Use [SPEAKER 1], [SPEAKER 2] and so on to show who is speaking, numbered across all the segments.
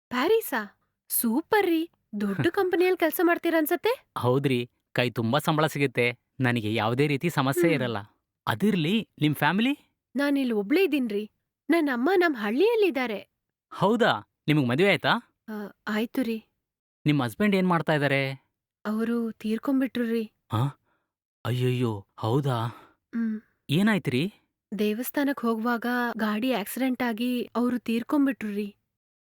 [SPEAKER 1] ಪ್ಯಾರಿಸಾ? Super ರೀ! ದೊಡ್ಡ ಕಂಪನಿಯಲ್ಲಿ ಕೆಲ್ಸ ಮಾಡ್ತೀರನ್ಸತ್ತೆ?
[SPEAKER 2] ಹೌದ್ರಿ. ಕೈ ತುಂಬಾ ಸಂಬಳ ಸಿಗುತ್ತೆ. ನನಗೆ ಯಾವುದೇ ರೀತಿ ಸಮಸ್ಯೆ
[SPEAKER 1] ಹ್ಮ್.
[SPEAKER 2] ಇರಲ್ಲ. ಅದಿರ್ಲಿ, ನಿಮ್ ಫ್ಯಾಮಿಲಿ?
[SPEAKER 1] ನಾನಿಲ್ಲಿ ಒಬ್ಳೇ ಇದೀನ್ರಿ. ನನ್ನಮ್ಮ ನಮ್ ಹಳ್ಳಿಯಲ್ಲಿದ್ದಾರೆ.
[SPEAKER 2] ಹೌದಾ? ನಿಮಗ್ ಮದುವೆ ಆಯ್ತಾ?
[SPEAKER 1] ಆ, ಆಯ್ತು ರೀ.
[SPEAKER 2] ನಿಮ್ ಹಸ್ಬೆಂಡ್ ಏನ್ ಮಾಡ್ತಾ ಇದಾರೆ?
[SPEAKER 1] ಅವರು ತೀರ್ಕೊಂಡ್ಬಿಟ್ರು ರೀ.
[SPEAKER 2] ಆ? ಅಯ್ಯಯ್ಯೋ! ಹೌದಾ?
[SPEAKER 1] ಹ್ಮ್.
[SPEAKER 2] ಏನಾಯ್ತ್ರಿ?
[SPEAKER 1] ದೇವಸ್ಥಾನಕ್ ಹೋಗ್ವಾಗ ಗಾಡಿ ಆಕ್ಸಿಡೆಂಟ್ ಆಗಿ ಅವ್ರು ತೀರ್ಕೊಂಡ್ಬಿಟ್ರು ರೀ.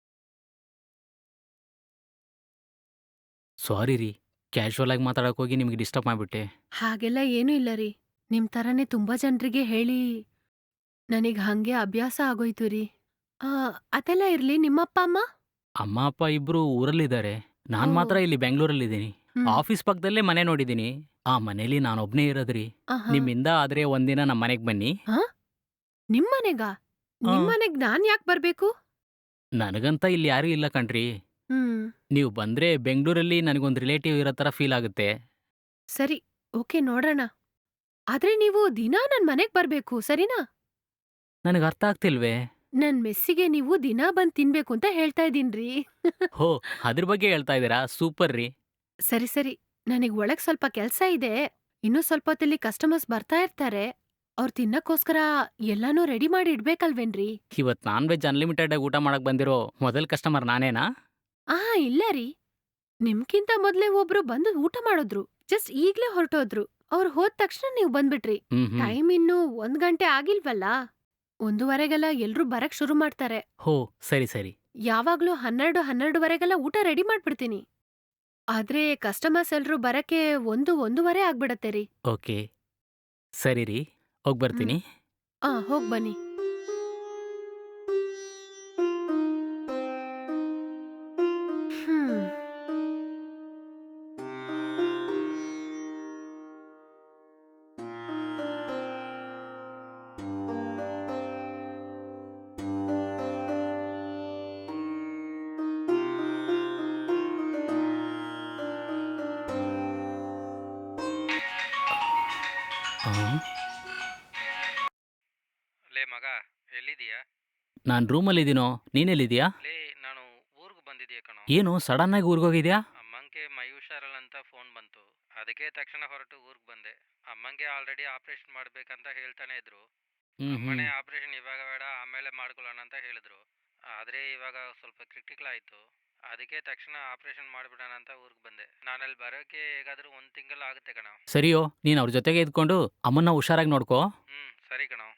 [SPEAKER 2] ಸಾರಿ ರೀ. ಕ್ಯಾಶುವಲ್ ಆಗಿ ಮಾತಾಡಕ್ ಹೋಗಿ ನಿಮ್ಗೆ ಡಿಸ್ಟರ್ಬ್ ಮಾಡ್ಬಿಟ್ಟೆ.
[SPEAKER 1] ಹಾಗೆಲ್ಲ ಏನೂ ಇಲ್ಲ ರೀ. ನಿಮ್ ಥರನೇ ತುಂಬಾ ಜನ್ರಿಗೆ ಹೇಳಿ ನನಗ್ ಹಂಗೆ ಅಭ್ಯಾಸ ಆಗೋಯ್ತು ರೀ. ಆ, ಅದೆಲ್ಲ ಇರ್ಲಿ, ನಿಮ್ಮಪ್ಪ ಅಮ್ಮ?
[SPEAKER 2] ಅಮ್ಮ ಅಪ್ಪ ಇಬ್ರು ಊರಲ್ಲಿದ್ದಾರೆ. ನಾನ್
[SPEAKER 1] ಓ.
[SPEAKER 2] ಮಾತ್ರ ಇಲ್ಲಿ ಬೆಂಗಳೂರಲ್ಲಿದ್ದೀನಿ.
[SPEAKER 1] ಹ್ಮ್.
[SPEAKER 2] ಆಫೀಸ್ ಪಕ್ಕದಲ್ಲೇ ಮನೆ ನೋಡಿದ್ದೀನಿ. ಆ ಮನೇಲಿ ನಾನೊಬ್ನೇ ಇರೋದ್ರಿ.
[SPEAKER 1] ಆಹಾ.
[SPEAKER 2] ನಿಮ್ಮಿಂದ ಆದ್ರೆ ಒಂದಿನ ನಮ್ ಮನೆಗ್ ಬನ್ನಿ.
[SPEAKER 1] ಹಾ? ನಿಮ್ಮನೆಗಾ?
[SPEAKER 2] ಆ,
[SPEAKER 1] ನಿಮ್ಮನೆಗ್ ನಾನ್ ಯಾಕ್ ಬರ್ಬೇಕು?
[SPEAKER 2] ನನಗಂತ ಇಲ್ಲಿ ಯಾರೂ ಇಲ್ಲ ಕಣ್ರೀ.
[SPEAKER 1] ಹ್ಮ್.
[SPEAKER 2] ನೀವು ಬಂದ್ರೆ ಬೆಂಗಳೂರಲ್ಲಿ ನನಗೊಂದು ರಿಲೇಟಿವ್ ಇರೋ ತರ ಫೀಲ್ ಆಗುತ್ತೆ.
[SPEAKER 1] ಸರಿ, ಓಕೆ, ನೋಡೋಣ. ಆದ್ರೆ ನೀವು ದಿನಾ ನನ್ ಮನೆಗ್ ಬರ್ಬೇಕು, ಸರಿನಾ?
[SPEAKER 2] ನನಗೆ ಅರ್ಥ ಆಗ್ತಿಲ್ವೇ?
[SPEAKER 1] ನನ್ ಮೆಸ್ಸಿಗೆ ನೀವು ದಿನಾ ಬಂದ್ ತಿನ್ಬೇಕು ಅಂತ ಹೇಳ್ತಾ ಇದೀನ್ರಿ.
[SPEAKER 2] ಹೋ, ಅದ್ರ ಬಗ್ಗೆ ಹೇಳ್ತಾ ಇದ್ದೀರಾ? ಸೂಪರ್ ರೀ.
[SPEAKER 1] ಸರಿ ಸರಿ, ನನಗ್ ಒಳಗ್ ಸ್ವಲ್ಪ ಕೆಲ್ಸ ಇದೆ. ಇನ್ನೂ ಸ್ವಲ್ಪ ಹೊತ್ತಲ್ಲಿ ಕಸ್ಟಮರ್ಸ್ ಬರ್ತಾ ಇರ್ತಾರೆ. ಅವ್ರ್ ತಿನ್ನಕ್ಕೋಸ್ಕರ ಎಲ್ಲಾನೂ ರೆಡಿ ಮಾಡಿ ಇಡ್ಬೇಕಲ್ವೇನ್ರಿ?
[SPEAKER 2] ಇವತ್ ನಾನ್ ವೆಜ್ ಅನ್ಲಿಮಿಟೆಡ್ ಆಗಿ ಊಟ ಮಾಡಕ್ ಬಂದಿರೋ ಮೊದಲ್ ಕಸ್ಟಮರ್ ನಾನೇನಾ?
[SPEAKER 1] ಇಲ್ಲ ರೀ. ನಿಮ್ಕಿಂತ ಮೊದ್ಲೇ ಒಬ್ರು ಬಂದು ಊಟ ಮಾಡಿದ್ರು. ಜಸ್ಟ್ ಈಗ್ಲೇ ಹೊರಟೋದ್ರು. ಅವ್ರು ಹೋದ್ ತಕ್ಷಣ ನೀವ್ ಬಂದ್ಬಿಟ್ರಿ.
[SPEAKER 2] ಹ್ಮ್ ಹ್ಮ್.
[SPEAKER 1] ಟೈಮ್ ಇನ್ನೂ 1 ಗಂಟೆ ಆಗಿಲ್ವಲ್ಲ? 1:30ಗೆಲ್ಲ ಎಲ್ರೂ ಬರಕ್ ಶುರು ಮಾಡ್ತಾರೆ.
[SPEAKER 2] ಹೋ, ಸರಿ ಸರಿ.
[SPEAKER 1] ಯಾವಾಗ್ಲೂ 12, 12:30ಗೆಲ್ಲ ಊಟ ರೆಡಿ ಮಾಡ್ಬಿಡ್ತೀನಿ. ಆದ್ರೆ ಕಸ್ಟಮರ್ಸ್ ಎಲ್ರೂ ಬರಕ್ಕೆ 1, 1:30 ಆಗ್ಬಿಡತ್ತೆ ರೀ.
[SPEAKER 2] ಓಕೆ, ಸರಿ ರೀ. ಹೋಗ್
[SPEAKER 1] ಹ್ಮ್.
[SPEAKER 2] ಬರ್ತೀನಿ.
[SPEAKER 1] ಹೋಗ್ಬನ್ನಿ. ಹ್ಮ್.
[SPEAKER 2] ಆ?
[SPEAKER 3] ಲೇ ಮಗ, ಎಲ್ಲಿದೀಯಾ?
[SPEAKER 2] ನಾನ್ ರೂಮಲ್ಲಿದ್ದೀನೋ. ನೀನೆಲ್ಲಿದ್ಯಾ?
[SPEAKER 3] ಲೇ, ನಾನು ಊರಿಗೆ ಬಂದಿದ್ದೀಯ ಕಣೋ.
[SPEAKER 2] ಏನು ಸಡನ್ ಆಗಿ ಊರ್ಗೋಗಿದ್ಯಾ?
[SPEAKER 3] ಅಮ್ಮಂಗೆ ಮೈ ಹುಷಾರಲ್ಲ ಅಂತ ಫೋನ್ ಬಂತು. ಅದಕ್ಕೆ ತಕ್ಷಣ ಹೊರಟು ಊರಿಗೆ ಬಂದೆ. ಅಮ್ಮಂಗೆ ಆಲ್ರೆಡಿ ಆಪರೇಷನ್ ಮಾಡ್ಬೇಕಂತ ಹೇಳ್ತಾನೆ ಇದ್ರು.
[SPEAKER 2] ಹ್ಮ್ ಹ್ಮ್.
[SPEAKER 3] ಅಮ್ಮನೇ ಆಪರೇಷನ್ ಇವಾಗ ಬೇಡ, ಆಮೇಲೆ ಮಾಡ್ಕೊಳ್ಳೋಣ ಅಂತ ಹೇಳಿದ್ರು. ಆದರೆ ಇವಾಗ ಸ್ವಲ್ಪ ಕ್ರಿಟಿಕಲ್ ಆಯಿತು. ಅದಕ್ಕೆ ತಕ್ಷಣ ಆಪರೇಷನ್ ಮಾಡಿಬಿಡೋಣ ಅಂತ ಊರಿಗೆ ಬಂದೆ. ನಾನಲ್ಲಿ ಬರೋಕ್ಕೆ ಹೇಗಾದರೂ 1 ತಿಂಗಳು ಆಗುತ್ತೆ ಕಣೋ.
[SPEAKER 2] ಸರಿಯೋ, ನೀನ್ ಅವ್ರ ಜೊತೆಗೆ ಇದ್ಕೊಂಡು ಅಮ್ಮನ್ನ ಹುಷಾರಾಗಿ ನೋಡ್ಕೋ.
[SPEAKER 3] ಸರಿ ಕಣೋ.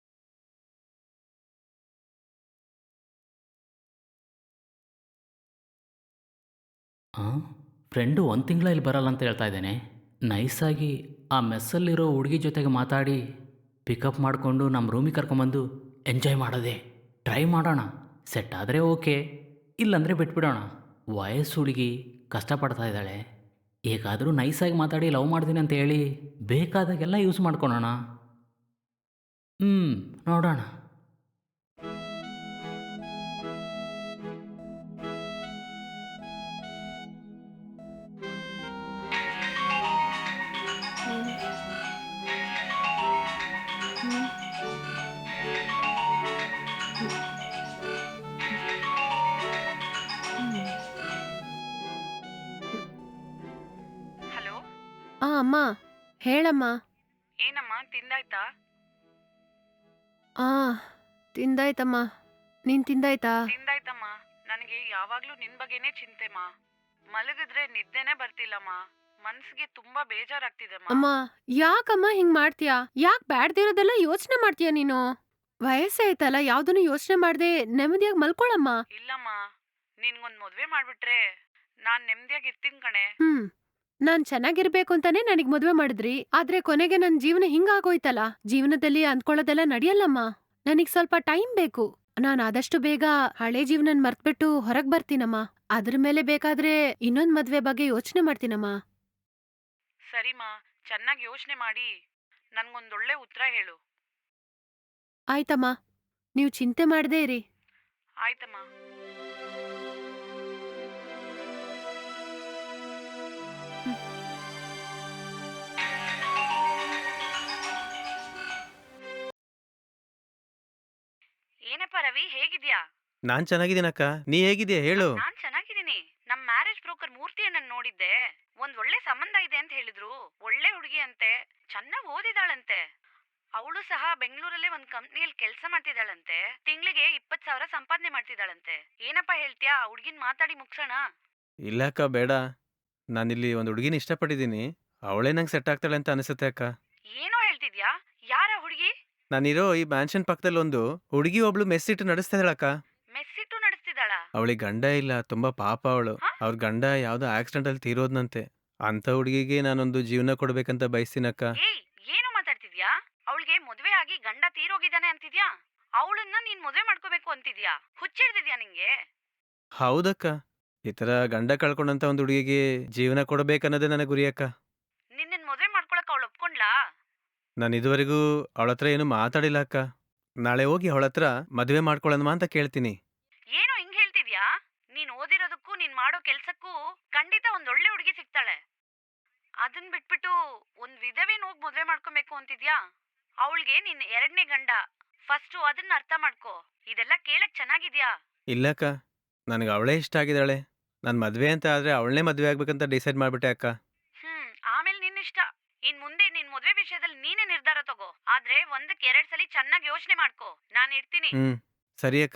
[SPEAKER 2] ಆ? ಫ್ರೆಂಡು 1 ತಿಂಗಳ ಇಲ್ಲಿ ಬರಲ್ಲ ಅಂತ ಹೇಳ್ತಾ ಇದ್ದೇನೆ. ನೈಸಾಗಿ ಆ ಮೆಸ್ಸಲ್ಲಿರೋ ಹುಡುಗಿ ಜೊತೆಗೆ ಮಾತಾಡಿ ಪಿಕಪ್ ಮಾಡಿಕೊಂಡು ನಮ್ಮ ರೂಮಿಗೆ ಕರ್ಕೊಂಬಂದು ಎಂಜಾಯ್ ಮಾಡೋದೆ. ಟ್ರೈ ಮಾಡೋಣ. ಸೆಟ್ ಆದರೆ ಓಕೆ, ಇಲ್ಲಾಂದರೆ ಬಿಟ್ಬಿಡೋಣ. ವಯಸ್ಸು ಹುಡುಗಿ ಕಷ್ಟಪಡ್ತಾ ಇದ್ದಾಳೆ. ಹೇಗಾದರೂ ನೈಸಾಗಿ ಮಾತಾಡಿ ಲವ್ ಮಾಡ್ತೀನಿ ಅಂತ ಹೇಳಿ ಬೇಕಾದಾಗೆಲ್ಲ ಯೂಸ್ ಮಾಡ್ಕೊಳೋಣ. ನೋಡೋಣ.
[SPEAKER 1] ಹ್ಮ್. ಹ್ಮ್. ಹ್ಮ್.
[SPEAKER 4] ಹಲೋ.
[SPEAKER 1] ಅಮ್ಮ. ಹೇಳಮ್ಮ.
[SPEAKER 4] ಏನಮ್ಮ, ತಿಂದಾಯ್ತಾ?
[SPEAKER 1] ಆ, ತಿಂದಾಯ್ತಮ್ಮ. ನೀನ್ ತಿಂದಾಯ್ತಾ?
[SPEAKER 4] ತಿಂದಾಯ್ತಮ್ಮ. ನನಗೆ ಯಾವಾಗ್ಲೂ ನಿನ್ ಬಗ್ಗೆನೇ ಚಿಂತೆಮ್ಮ. ಮಲಗಿದ್ರೆ ನಿದ್ದೆನೇ ಬರ್ತಿಲ್ಲಮ್ಮ. ಮನ್ಸಿಗೆ ತುಂಬಾ ಬೇಜಾರಾಗ್ತಿದೆಮ್ಮ.
[SPEAKER 1] ಅಮ್ಮ, ಯಾಕಮ್ಮ ಹಿಂಗ್ ಮಾಡ್ತೀಯಾ? ಯಾಕ್ ಬ್ಯಾಡ್ದಿರೋದೆಲ್ಲ ಯೋಚನೆ ಮಾಡ್ತೀಯ ನೀನು? ವಯಸ್ಸಾಯ್ತಲ್ಲ, ಯಾವ್ದನ್ನು ಯೋಚನೆ ಮಾಡ್ದೆ ನೆಮ್ಮದಿಯಾಗಿ ಮಲ್ಕೊಳಮ್ಮ.
[SPEAKER 4] ಇಲ್ಲಮ್ಮ, ನಿನ್ಗೊಂದ್ ಮದ್ವೆ ಮಾಡ್ಬಿಟ್ರೆ ನಾನ್ ನೆಮ್ಮದಿಯಾಗಿ ಇರ್ತೀನಿ ಕಣೆ.
[SPEAKER 1] ನಾನ್ ಚೆನ್ನಾಗಿರ್ಬೇಕು ಅಂತಾನೆ ನನಗ್ ಮದ್ವೆ ಮಾಡಿದ್ರಿ. ಆದ್ರೆ ಕೊನೆಗೆ ನನ್ ಜೀವನ ಹಿಂಗಾಗೋಯ್ತಲ್ಲ. ಜೀವನದಲ್ಲಿ ಅಂದ್ಕೊಳ್ಳೋದೆಲ್ಲ ನಡೆಯಲ್ಲಮ್ಮ. ನನಗ್ ಸ್ವಲ್ಪ ಟೈಮ್ ಬೇಕು. ನಾನ್ ಆದಷ್ಟು ಬೇಗ ಹಳೆ ಜೀವನನ್ ಮರ್ತ್ಬಿಟ್ಟು ಹೊರಗ್ ಬರ್ತೀನಮ್ಮ. ಅದ್ರ ಮೇಲೆ ಬೇಕಾದ್ರೆ ಇನ್ನೊಂದ್ ಮದ್ವೆ ಬಗ್ಗೆ ಯೋಚನೆ ಮಾಡ್ತೀನಮ್ಮ.
[SPEAKER 4] ಸರಿಮಾ, ಚೆನ್ನಾಗಿ ಯೋಚನೆ ಮಾಡಿ ನನ್ಗೊಂದೊಳ್ಳೆ ಉತ್ತರ ಹೇಳು.
[SPEAKER 1] ಆಯ್ತಮ್ಮ, ನೀವ್ ಚಿಂತೆ ಮಾಡ್ದೇ ಇರಿ.
[SPEAKER 4] ಆಯ್ತಮ್ಮ. ಏನಪ್ಪ ರವಿ, ಹೇಗಿದ್ಯಾ?
[SPEAKER 5] ನಾನ್ ಚೆನ್ನಾಗಿದ್ದೀನಕ್ಕ. ನೀ ಹೇಗಿದ್ಯಾ ಹೇಳು?
[SPEAKER 4] ನಾನ್ ಚೆನ್ನಾಗಿದ್ದೀನಿ. ನಮ್ ಮ್ಯಾರೇಜ್ ಬ್ರೋಕರ್ ಮೂರ್ತಿಯನ್ನ ನೋಡಿದ್ದೆ. ಒಂದ್ ಒಳ್ಳೆ ಸಂಬಂಧ ಇದೆ ಅಂತ ಹೇಳಿದ್ರು. ಒಳ್ಳೆ ಹುಡುಗಿ ಅಂತೆ, ಚೆನ್ನಾಗ್ ಓದಿದಾಳಂತೆ. ಅವಳು ಸಹ ಬೆಂಗಳೂರಲ್ಲೇ ಒಂದ್ ಕಂಪ್ನಿಯಲ್ಲಿ ಕೆಲಸ ಮಾಡ್ತಿದ್ದಾಳಂತೆ. ತಿಂಗಳಿಗೆ 20,000 ಸಂಪಾದನೆ ಮಾಡ್ತಿದ್ದಾಳಂತೆ. ಏನಪ್ಪ ಹೇಳ್ತೀಯಾ? ಆ ಹುಡ್ಗಿನ್ ಮಾತಾಡಿ ಮುಗ್ಸೋಣ.
[SPEAKER 5] ಇಲ್ಲ ಅಕ್ಕ, ಬೇಡ. ನಾನಿಲ್ಲಿ ಒಂದು ಹುಡುಗಿನ ಇಷ್ಟಪಟ್ಟಿದ್ದೀನಿ. ಅವಳೇ ನಂಗೆ ಸೆಟ್ ಆಗ್ತಾಳೆ ಅಂತ ಅನಿಸುತ್ತೆ ಅಕ್ಕ.
[SPEAKER 4] ಏನೋ ಹೇಳ್ತಿದ್ಯಾ? ಯಾರ ಹುಡುಗಿ?
[SPEAKER 5] ನಾನಿರೋ ಈ ಮ್ಯಾನ್ಷನ್ ಪಕ್ಕದಲ್ಲಿ ಒಂದು ಹುಡುಗಿ ಒಬ್ಳು ಮೆಸ್ ಇಟ್ಟು ನಡೆಸ್ತಾ ಇದ್ದಾಳಕ್ಕ.
[SPEAKER 4] ಮೆಸ್ಸಿಟ್ಟು ನಡೆಸ್ತಿದ್ದಾಳ?
[SPEAKER 5] ಅವಳಿಗೆ ಗಂಡ ಇಲ್ಲ, ತುಂಬಾ ಪಾಪ ಅವಳು.
[SPEAKER 4] ಹ?
[SPEAKER 5] ಅವ್ರ ಗಂಡ ಯಾವ್ದೋ ಆಕ್ಸಿಡೆಂಟ್ ಅಲ್ಲಿ ತೀರೋದ್ನಂತೆ. ಅಂತ ಹುಡುಗಿಗೆ ನಾನೊಂದು ಜೀವನ ಕೊಡ್ಬೇಕಂತ ಬಯಸ್ತೀನಕ್ಕ.
[SPEAKER 4] ಏಯ್, ಏನು ಮಾತಾಡ್ತಿದ್ಯಾ? ಅವಳಿಗೆ ಮದುವೆ ಆಗಿ ಗಂಡ ತೀರೋಗಿದ್ದಾನೆ ಅಂತಿದ್ಯಾ? ಅವಳನ್ನ ನೀನ್ ಮದುವೆ ಮಾಡ್ಕೋಬೇಕು ಅಂತಿದ್ಯಾ? ಹುಚ್ಚಿಡ್ದಿದ್ಯಾ ನಿಂಗೆ?
[SPEAKER 5] ಹೌದಕ್ಕ, ಈ ತರ ಗಂಡ ಕಳ್ಕೊಂಡಂತ ಒಂದು ಹುಡುಗಿಗೆ ಜೀವನ ಕೊಡ್ಬೇಕನ್ನೋದೇ ನನ್ನ ಗುರಿ ಅಕ್ಕ.
[SPEAKER 4] ನಿನ್ನನ್ ಮದುವೆ ಮಾಡ್ಕೊಳಕ್ ಅವಳು ಒಪ್ಕೊಂಡ್ಲಾ?
[SPEAKER 5] ನಾನು ಇದುವರೆಗೂ ಅವಳ ಹತ್ರ ಏನು ಮಾತಾಡಿಲ್ಲ ಅಕ್ಕ. ನಾಳೆ ಹೋಗಿ ಅವಳ ಹತ್ರ ಮದುವೆ ಮಾಡ್ಕೊಳ್ಳೋಣ ಅಂತ ಕೇಳ್ತೀನಿ.
[SPEAKER 4] ಏನು ಹಿಂಗ್ ಹೇಳ್ತಿದ್ಯಾ? ನೀನ್ ಓದಿರೋದಕ್ಕೂ ನೀನ್ ಮಾಡೋ ಕೆಲ್ಸಕ್ಕೂ ಖಂಡಿತ ಒಂದ್ ಒಳ್ಳೆ ಹುಡುಗಿ ಸಿಗ್ತಾಳೆ. ಅದನ್ ಬಿಟ್ಬಿಟ್ಟು ಒಂದ್ ವಿಧವೆನ್ ಹೋಗ್ ಮದ್ವೆ ಮಾಡ್ಕೊಬೇಕು ಅಂತಿದ್ಯಾ? ಅವಳಿಗೆ ನಿನ್ ಎರಡನೇ ಗಂಡ. ಫಸ್ಟು ಅದನ್ನ ಅರ್ಥ ಮಾಡ್ಕೋ. ಇದೆಲ್ಲ ಕೇಳಕ್ ಚೆನ್ನಾಗಿದ್ಯಾ?
[SPEAKER 5] ಇಲ್ಲಕ್ಕ, ನನಗೆ ಅವಳೇ ಇಷ್ಟ ಆಗಿದ್ದಾಳೆ. ನಾನು ಮದುವೆ ಅಂತ ಆದ್ರೆ ಅವಳನ್ನೇ ಮದುವೆ ಆಗ್ಬೇಕಂತ ಡಿಸೈಡ್ ಮಾಡ್ಬಿಟ್ಟೆ ಅಕ್ಕ.
[SPEAKER 4] ಆಮೇಲೆ ನಿನ್ನಿಷ್ಟ. ಇನ್ ಮುಂದೆ ನಿನ್ ಮದ್ವೆ ವಿಷಯದಲ್ಲಿ ನೀನೇ ನಿರ್ಧಾರ ತಗೋ. ಆದ್ರೆ ಒಂದಕ್ಕೆ 2 ಸಲ ಚೆನ್ನಾಗಿ ಯೋಚನೆ ಮಾಡ್ಕೋ. ನಾನ್ ಇಡ್ತೀನಿ.
[SPEAKER 5] ಸರಿ ಅಕ್ಕ.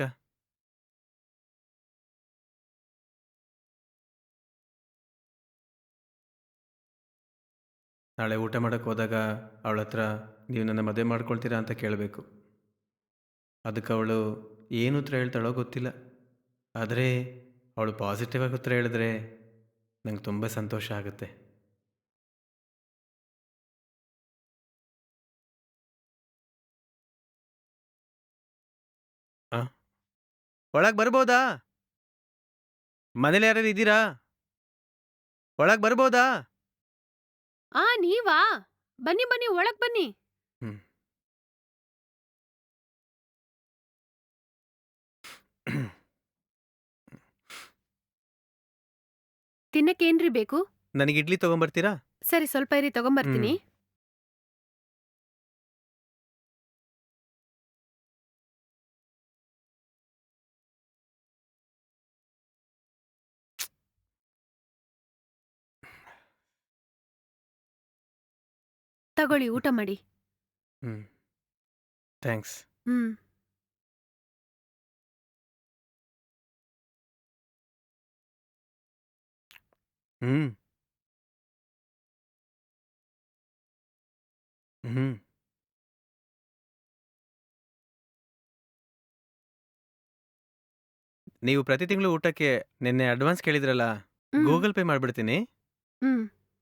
[SPEAKER 5] ನಾಳೆ ಊಟ ಮಾಡಕ್ಕೆ ಹೋದಾಗ ಅವಳ ಹತ್ರ ನೀವು ನನ್ನ ಮದುವೆ ಮಾಡ್ಕೊಳ್ತೀರಾ ಅಂತ ಕೇಳಬೇಕು. ಅದಕ್ಕೆ ಅವಳು ಏನು ಉತ್ತರ ಹೇಳ್ತಾಳೋ ಗೊತ್ತಿಲ್ಲ. ಆದರೆ ಅವಳು ಪಾಸಿಟಿವ್ ಆಗಿ ಉತ್ತರ ಹೇಳಿದ್ರೆ ನಂಗೆ ತುಂಬ ಸಂತೋಷ ಆಗುತ್ತೆ. ಆ ಒಳಗೆ ಬರ್ಬೋದಾ? ಮನೇಲಿ ಯಾರು ಇದ್ದೀರಾ? ಒಳಗೆ ಬರ್ಬೋದಾ?
[SPEAKER 1] ನೀವಾ? ಬನ್ನಿ ಬನ್ನಿ, ಒಳಗ್ ಬನ್ನಿ.
[SPEAKER 5] ಹ್ಮ್.
[SPEAKER 1] ತಿನ್ನಕ್ಕೇನ್ರಿ ಬೇಕು?
[SPEAKER 5] ನನಗೆ ಇಡ್ಲಿ ತಗೊಂಬರ್ತೀರಾ?
[SPEAKER 1] ಸರಿ, ಸ್ವಲ್ಪ ಇರಿ, ತಗೊಂಬರ್ತೀನಿ. ತಗೊಳ್ಳಿ, ಊಟ ಮಾಡಿ.
[SPEAKER 5] ಥ್ಯಾಂಕ್ಸ್.
[SPEAKER 1] ಹ್ಮ್.
[SPEAKER 5] ಹ್ಮ್ ಹ್ಮ್ ನೀವು ಪ್ರತಿ ತಿಂಗಳು ಊಟಕ್ಕೆ ನಿನ್ನೆ ಅಡ್ವಾನ್ಸ್ ಕೇಳಿದ್ರಲ್ಲ,
[SPEAKER 1] ಹ್ಮ್.
[SPEAKER 5] ಗೂಗಲ್ ಪೇ ಮಾಡ್ಬಿಡ್ತೀನಿ.
[SPEAKER 1] ಹ್ಮ್.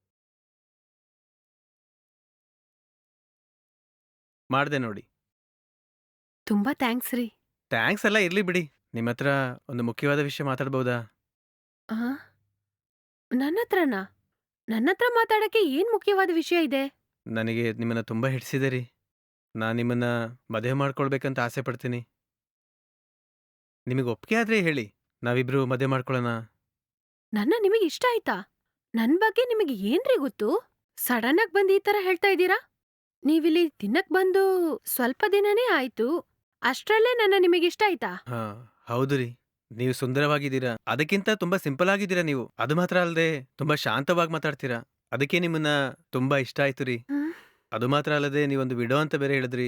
[SPEAKER 5] ಮಾಡ್ದೆ ನೋಡಿ.
[SPEAKER 1] ತುಂಬಾ ಥ್ಯಾಂಕ್ಸ್ ರೀ.
[SPEAKER 5] ಥ್ಯಾಂಕ್ಸ್ ಎಲ್ಲ ಇರ್ಲಿ ಬಿಡಿ. ನಿಮ್ಮ ಹತ್ರ ಒಂದು ಮುಖ್ಯವಾದ ವಿಷಯ ಮಾತಾಡ್ಬೋದಾ?
[SPEAKER 1] ಆ? ನನ್ನತ್ರನಾ? ನನ್ನತ್ರ ಮಾತಾಡಕ್ಕೆ ಏನ್ ಮುಖ್ಯವಾದ ವಿಷಯ ಇದೆ?
[SPEAKER 5] ನನಗೆ ನಿಮ್ಮನ್ನ ತುಂಬಾ ಹಿಡಿಸಿದೆ ರೀ. ನಾನು ನಿಮ್ಮನ್ನ ಮದುವೆ ಮಾಡ್ಕೊಳ್ಬೇಕಂತ ಆಸೆ ಪಡ್ತೀನಿ. ನಿಮಗೆ ಒಪ್ಪಿಗೆ ಆದ್ರೆ ಹೇಳಿ, ನಾವಿಬ್ರು ಮದುವೆ ಮಾಡ್ಕೊಳ್ಳೋಣ.
[SPEAKER 1] ನಿಮಗೆ ಇಷ್ಟ ಆಯ್ತಾ? ನನ್ ಬಗ್ಗೆ ನಿಮಗೆ ಏನ್ರಿ ಗೊತ್ತು? ಸಡನ್ ಆಗಿ ಬಂದು ಈ ತರ ಹೇಳ್ತಾ ಇದ್ದೀರಾ? ನೀವಿಲ್ಲಿ ತಿನ್ನಕ್ ಬಂದು ಸ್ವಲ್ಪ ದಿನನೇ ಆಯ್ತು. ಅಷ್ಟ್ರಲ್ಲೇ ನಿಮಗಿಷ್ಟ ಆಯ್ತಾ?
[SPEAKER 5] ಹಾ, ಹೌದು ರೀ. ನೀವು ಸುಂದರವಾಗಿದ್ದೀರಾ. ಅದಕ್ಕಿಂತ ತುಂಬಾ ಸಿಂಪಲ್ ಆಗಿದ್ದೀರಾ ನೀವು. ಅದು ಮಾತ್ರ ಅಲ್ಲದೆ ತುಂಬಾ ಶಾಂತವಾಗಿ ಮಾತಾಡ್ತೀರಾ. ಅದಕ್ಕೆ ನಿಮ್ಮನ್ನ ತುಂಬಾ ಇಷ್ಟ ಆಯ್ತು ರೀ.
[SPEAKER 1] ಹ್ಮ್.
[SPEAKER 5] ಅದು ಮಾತ್ರ ಅಲ್ಲದೆ ನೀವೊಂದು ವಿಡೋ ಅಂತ ಬೇರೆ ಹೇಳಿದ್ರಿ.